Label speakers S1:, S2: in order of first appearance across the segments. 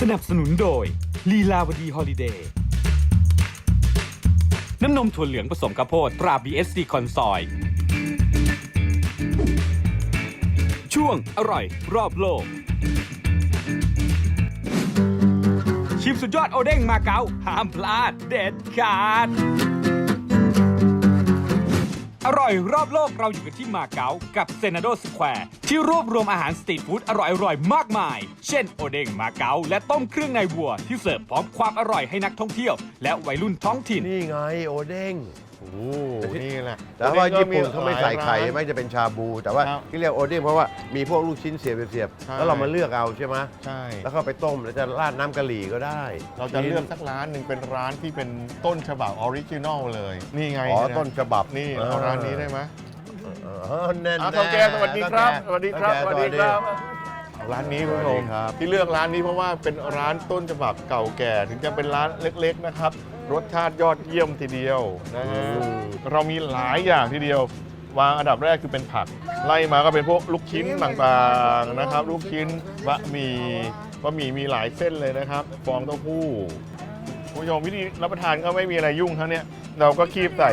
S1: นับสนุนโดยลีลาวดีฮอลิเดย์น้ำนมถั่วเหลืองผสมข้าวโพดตรา BSC คอนซอยช่วงอร่อยรอบโลกชิมสุดยอดโอเด้งมาเก๊าห้ามพลาดเด็ดขาดอร่อยรอบโลกเราอยู่กันที่มาเก๊ากับเซนาโดสแควร์ที่รวบรวมอาหารสตรีทฟู้ดอร่อยมากมายเช่นโอเด้งมาเก๊าและต้มเครื่องในวัวที่เสิร์ฟพร้อมความอร่อยให้นักท่องเที่ยวและวัยรุ่นท้องถิ่น
S2: นี่ไงโอเด้ง
S3: โอ้นี่แหละ
S2: แต่ว่าญี่ปุ่นเขาไม่ใส่ไข่
S3: หลายร้าน
S2: ไม่จะเป็นชาบู แต่ว่า
S3: ครับ
S2: ที่เรียกโอเด้งเพราะว่ามีพวกลูกชิ้นเสียบ
S3: ใช่
S2: แล้วเรามาเลือกเอาใช่ไหม
S3: ใช่
S2: แล้วก็ไปต้มแล้วจะราดน้ำกะหรี่ก็ได้
S3: เราจะเลือกสักร้านหนึ่งเป็นร้านที่เป็นต้นฉบับออริจินอลเลย นี่ไง
S2: อ๋อ
S3: เย
S2: ต้นฉบับ
S3: นี่เอาร้านนี้ได้ไหม
S2: แน่น
S3: เท่าแก่สวัสดีครับสวัสดีครับสวัสดีครับร้านนี้คุณผู้ชม
S2: ครับ
S3: ที่เลือกร้านนี้เพราะว่าเป็นร้านต้นฉบับเก่าแก่ ถึงจะเป็นร้านเล็กๆนะครับรสชาติยอดเยี่ยมทีเดียวนะฮะเรามีหลายอย่างทีเดียว วางอันดับแรกคือเป็นผัก ไล่มาก็เป็นพวกลูกชิ้นต่างๆนะครับ ลูกชิ้นบะหมี่มีหลายเส้นเลยนะครับ ฟองเต้าหู้คุณผู้ชมวิธีรับประทานก็ไม่มีอะไรยุ่งเท่านี้เราก็คีบใส่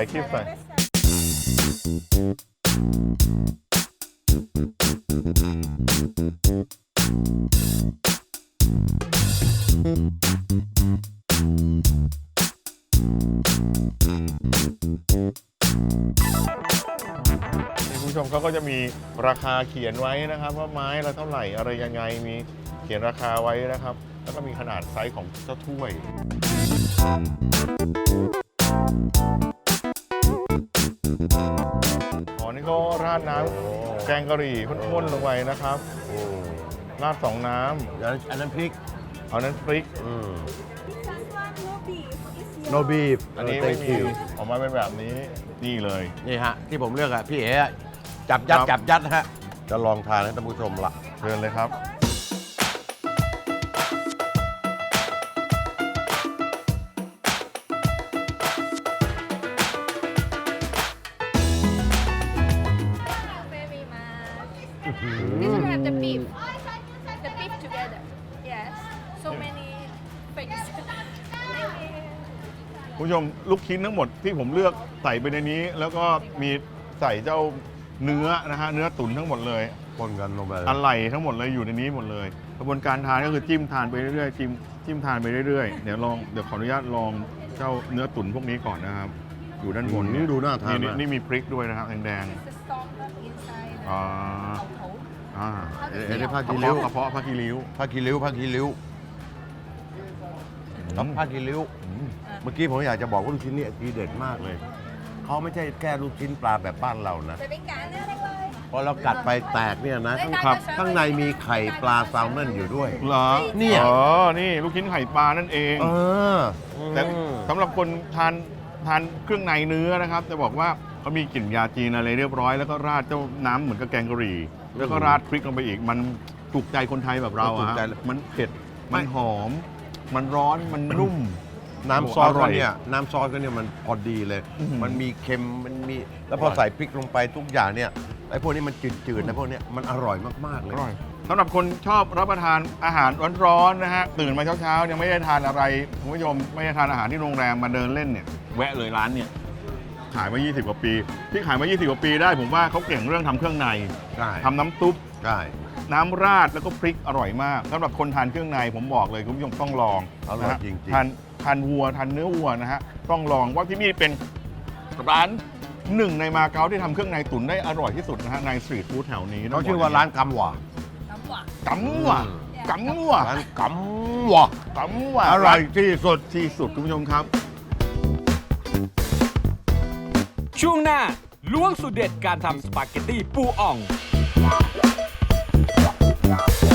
S3: คุณผู้ชมเขาก็จะมีราคาเขียนไว้นะครับว่าไม้ละเท่าไหร่อะไรยังไงมีเขียนราคาไว้นะครับ แล้วก็มีขนาดไซส์ของเจ้าถ้วยอ๋อนี่ก็ราดน้ำแกงกะหรี่ข้นๆลงไปนะครับราดสองน้
S2: อันนั้นพริก
S3: ำเอานั้นพริก
S2: no beef
S3: อันนี้ไม่มีออกมาเป็นแบบนี้นี่เลย
S2: นี่ฮะ ที่ผมเลือกอะพี่เอ๋อะจับยัดฮะ จะลองทานให้ท่านผู้ชมละ
S3: เชิญเลยครับ
S4: very much. This one have the beef. The beef together. Yes. So many things. Thank you.
S3: คุณผู้ชมลูกชิ้นทั้งหมดที่ผมเลือกใส่ไปในนี้ แล้วก็มีใส่เจ้าเนื้อนะฮะเนื้อตุ๋นทั้งหมดเลย
S2: คนกันลงไป
S3: อะไหล่ทั้งหมดเลยอยู่ในนี้หมดเลยกระบวนการทานก็คือจิ้มทานไปเรื่อยๆจิ้มทานไปเรื่อยๆเดี๋ยวขออนุญาตลองเจ้าเนื้อตุ๋นพวกนี้ก่อนนะครับอยู่ด้านบน
S2: นี่ดูน่าทานมาก
S3: นี่มีพริกด้วยนะครับแดง
S4: It's the salt inside.
S3: ๆอ่า
S2: เอ๋ได้ผ้าก
S3: ระ
S2: กีริ้ว
S3: เพาะผ้ากีริ้ว
S2: ผ้ากีริ้วครับผ้ากีริ้ว เมื่อกี้ผมอยากจะบอกว่าลูกชิ้นนี่ทีเด็ดมากเลย เขาไม่ใช่แค่ลูกชิ้นปลาแบบบ้านเรานะ
S4: จะเป็นการอะไรเลย
S2: พอเรากัดไปแตกเนี่ยนะ
S3: ครับ
S2: ข้างในมีไข่ปลาแซลมอนอยู่ด้วย
S3: เหรอ
S2: เนี่ย
S3: อ๋อนี่ลูกชิ้นไข่ปลานั่นเอง แต่สำหรับคนทานเครื่องในเนื้อนะครับจะบอกว่าเขามีกลิ่นยาจีนอะไรเรียบร้อยแล้วก็ราดเจ้าน้ำเหมือนกับแกงกะหรี่แล้วก็ราดพริกลงไปอีก มันถูกใจคนไทยแบบเรา
S2: ถู
S3: อะ
S2: ก
S3: ฮะ
S2: ใจ
S3: มันเผ็ดมันหอม มันร้อนมันนุ่ม
S2: น้ำซอส
S3: อร่
S2: ก็
S3: อย
S2: เนี่ยน้ำซอสก็เนี่ยมันพอดีเลย
S3: อื้อหือ
S2: มันมีเค็มมันมีแล้วพอใส่พริกลงไปทุกอย่างเนี่ยไอ้พวกนี้มันจืดๆนะพวกเนี้ยมันอร่อยมากๆเลย
S3: อร่อยสำหรับคนชอบรับประทานอาหารร้อนๆนะฮะตื่นมาเช้าๆยังไม่ได้ทานอะไรคุณผู้ชมไม่ได้ทานอาหารที่โรงแรมมาเดินเล่นเนี่ยแวะเลยร้านเนี่ยขายมา 20 กว่าปี ที่ขายมา 20 กว่าปีได้ผมว่าเขาเก่งเรื่องทำเครื่องใน
S2: ใช่
S3: ทำน้ำซุป
S2: ใช่
S3: น้ำราดแล้วก็พริกอร่อยมากสำหรับคนทานเครื่องในผมบอกเลยคุณผู้ชมต้องลอง
S2: อร่อย
S3: นะฮะ
S2: จริง
S3: ทานวัวทานเนื้อวัวนะฮะต้องลองว่าที่นี่เป็นร้านหนึ่งในมาเก๊าที่ทำเครื่องในตุ๋นได้อร่อยที่สุดนะฮะในสตรีทฟู้ดแถวนี้
S2: ๆเขาชื่อว่าร้านกำหว่า
S4: น้ำหวาน
S3: กำว่ะกำว่ะ
S2: ร้านกำหว่า
S3: กำว่ะ
S2: อร่อยที่สุด
S3: ที่สุดคุณผู้ชมครับ
S1: ช่วงหน้าล้วงสูตรเด็ดการทำสปาเกตตี้ปูอ่อง